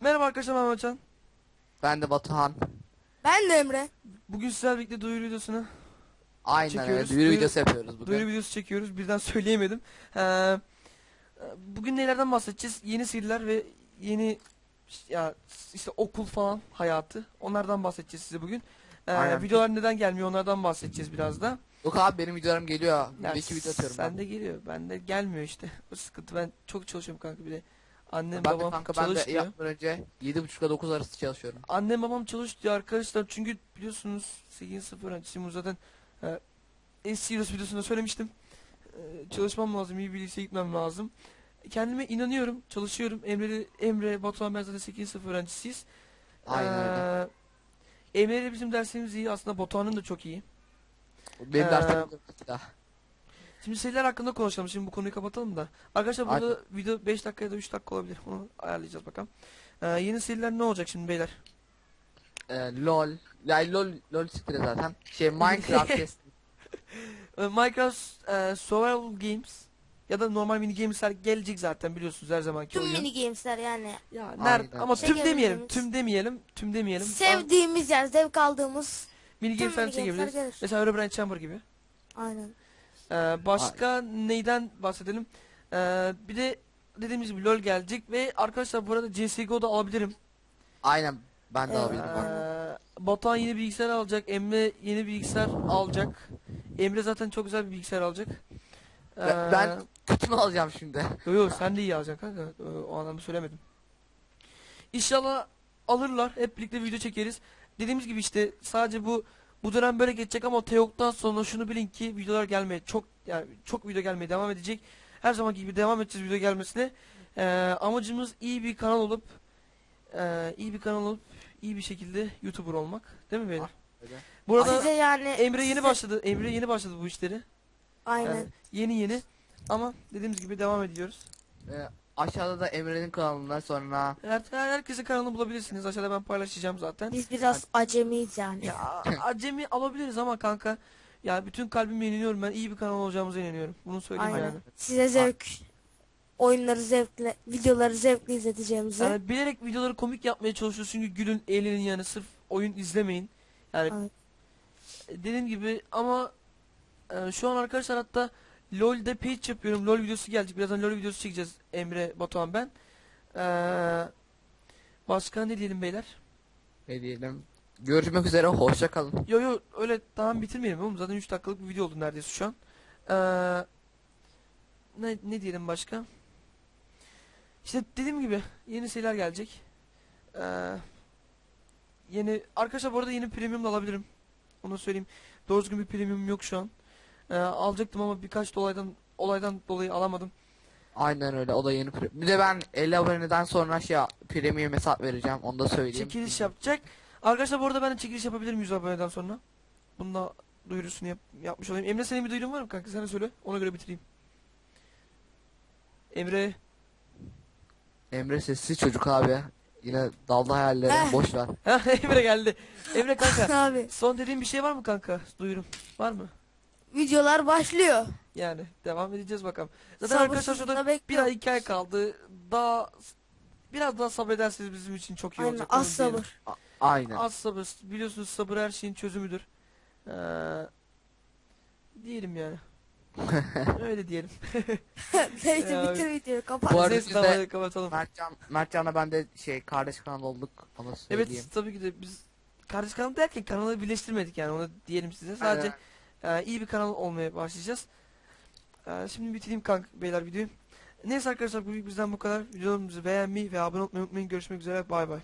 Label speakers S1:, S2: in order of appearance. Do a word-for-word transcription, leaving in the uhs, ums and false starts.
S1: Merhaba arkadaşlar, ben Mehmetcan.
S2: Ben de Batuhan.
S3: Ben de Emre.
S1: Bugün sizlerle birlikte duyuru videosunu
S2: Aynen öyle.
S1: çekiyoruz.
S2: Duyuru
S1: Duyuru,
S2: videosu yapıyoruz
S1: duyuru
S2: bugün.
S1: videosu çekiyoruz. Birden söyleyemedim. Ee, bugün nelerden bahsedeceğiz? Yeni seriler ve yeni ya işte okul falan hayatı. Onlardan bahsedeceğiz size bugün. Ee,
S2: Aynen.
S1: videolar neden gelmiyor? Onlardan bahsedeceğiz biraz da.
S2: Yok abi benim videolarım geliyor.
S1: Ya,
S2: Bir iki video atıyorum
S1: sen
S2: ben.
S1: de geliyor. Ben de gelmiyor işte. O sıkıntı. Ben çok çalışıyorum kanka bir de. Annem
S2: Ben de
S1: babam
S2: kanka ben
S1: çalış
S2: de
S1: diyor.
S2: yapmadan önce yedi buçuk ile dokuz arası çalışıyorum.
S1: Annem babam çalış diyor arkadaşlar. Çünkü biliyorsunuz sekizinci sınıf öğrencisiyim. Zaten e, S-Serious videosunda söylemiştim. E, çalışmam lazım, iyi bir liseye gitmem lazım. Kendime inanıyorum, çalışıyorum. Emre, Emre, Batuhan ben zaten sekizinci sınıf öğrencisiyiz.
S2: Aynen öyle.
S1: Ee, Emre ile bizim derslerimiz iyi. Aslında Batuhan'ın da çok iyi.
S2: Benim
S1: Ee,
S2: derslerim de daha.
S1: Şimdi seriler hakkında konuşalım. Şimdi bu konuyu kapatalım da. Arkadaşlar burada
S2: Aynen.
S1: video beş dakika ya da üç dakika olabilir. Onu ayarlayacağız bakalım. Ee, yeni seriler ne olacak şimdi beyler?
S2: Ee, LOL. Ya LOL LOL siktir zaten. Şey Minecraft test.
S1: Ee, Minecraft e, Survival Games ya da normal mini games'ler gelecek zaten biliyorsunuz her zamanki
S3: Tüm
S1: oyun.
S3: mini games'ler yani.
S1: Ya
S2: Aynen.
S1: nerede ama
S3: Şey
S1: tüm demeyelim,
S3: diyebiliriz.
S1: tüm demeyelim, tüm demeyelim.
S3: Sevdiğimiz yani zevk aldığımız
S1: Mini
S3: tüm
S1: games'ler
S3: mini games'ler
S1: çekebiliriz.
S3: gelir.
S1: Mesela Herobrine Chamber gibi.
S3: Aynen.
S1: Ee, başka neyden bahsedelim? Ee, bir de dediğimiz gibi LoL gelecek ve arkadaşlar bu arada C S G O'da alabilirim.
S2: Aynen ben de
S3: Evet.
S2: alabilirim. bak.
S1: Ee, Batuhan yeni bilgisayar alacak. Emre yeni bilgisayar alacak. Emre zaten çok güzel bir bilgisayar alacak. Ee,
S2: Ben, ben kötü mü alacağım şimdi?
S1: Yo yo sen de iyi alacaksın kanka. Ee, O anlamda söylemedim. İnşallah alırlar. Hep birlikte video çekeriz. Dediğimiz gibi işte sadece bu bu dönem böyle geçecek ama Teok'tan sonra şunu bilin ki videolar gelmeye çok yani çok video gelmeye devam edecek. Her zamanki gibi devam edeceğiz video gelmesine. Ee, amacımız iyi bir kanal olup e, iyi bir kanal olup iyi bir şekilde YouTuber olmak. Değil mi beyler?
S2: Öyle.
S1: Bu arada
S3: Size yani
S1: Emre yeni
S3: size-
S1: başladı. Emre yeni başladı bu işleri.
S3: Aynen.
S1: Yani yeni yeni ama dediğimiz gibi devam ediyoruz.
S2: Ee, aşağıda da Emre'nin kanalından sonra
S1: Her, her herkesin kanalını bulabilirsiniz. Aşağıda ben paylaşacağım zaten.
S3: Biz biraz acemiyiz yani.
S1: Ya acemi alabiliriz ama kanka ya bütün kalbimle inanıyorum, ben iyi bir kanal olacağımıza inanıyorum. Bunu söyleyeyim
S3: Aynen.
S1: yani.
S3: Size zevk oyunları zevkle, videoları zevkle izleteceğimizi.
S1: Yani bilerek videoları komik yapmaya çalışıyoruz çünkü gülün, eğlenin yani sırf oyun izlemeyin. Yani
S3: Evet.
S1: dediğim gibi ama e, şu an arkadaşlar hatta LoL'de page yapıyorum. LoL videosu gelecek. Birazdan LoL videosu çekeceğiz Emre, Batuhan ben. Ee, başka ne diyelim beyler?
S2: ne diyelim. Görüşmek üzere, hoşça kalın.
S1: Yo yo öyle tamam bitirmeyelim oğlum. Zaten üç dakikalık bir video oldu neredeyse şu an. Ee, ne, ne diyelim başka? İşte dediğim gibi yeni şeyler gelecek. Ee, yeni arkadaşlar bu arada yeni premium da alabilirim. Onu söyleyeyim. Doğru düzgün bir premium yok şu an. Ee, alacaktım ama birkaç olaydan olaydan dolayı alamadım.
S2: Aynen öyle, o da yeni pre- Bir de ben elli aboneden sonra şey premium hesap vereceğim, onu da söyleyeyim.
S1: Çekiliş yapacak. Arkadaşlar bu arada ben de çekiliş yapabilirim yüz aboneden sonra. Bununla duyurusunu yap, yapmış olayım. Emre senin bir duyurun var mı kanka? Sen de söyle. Ona göre bitireyim. Emre.
S2: Emre sessiz çocuk abi. Yine daldı hayallerine,
S3: Eh.
S2: boş ver.
S1: Ha Emre geldi. Emre kanka.
S3: Abi
S1: Son dediğin bir şey var mı kanka? Duyurum. Var mı?
S3: videolar başlıyor.
S1: Yani devam edeceğiz bakalım. Zaten arkadaşlar şurada
S3: Sabırsızlıkla
S1: bir
S3: bekliyorum.
S1: ay iki ay kaldı. Daha biraz daha sabrederseniz bizim için çok iyi
S3: Aynen
S1: olacak.
S3: az
S1: onu diyelim.
S3: sabır.
S2: A- Aynen.
S1: Az sabır. Biliyorsunuz sabır her şeyin çözümüdür. Ee, diyelim yani. Öyle diyelim.
S3: Neyse
S1: Ya,
S3: bitir videoyu kapat.
S2: Bu arada
S1: Neyse
S2: biz
S1: tamam
S2: de-
S1: hadi kapatalım.
S2: Mertcan, Mertcan'la ben de şey kardeş kanal olduk, onu
S1: Evet
S2: söyleyeyim.
S1: tabii ki de biz kardeş kanal derken kanalı birleştirmedik yani onu diyelim size. Sadece e, iyi bir kanal olmaya başlayacağız. E, şimdi bitireyim kanka beyler videoyu. Neyse arkadaşlar bu bizden bu kadar. Videolarımızı beğenmeyi ve abone olmayı unutmayın. Görüşmek üzere. Bay bay.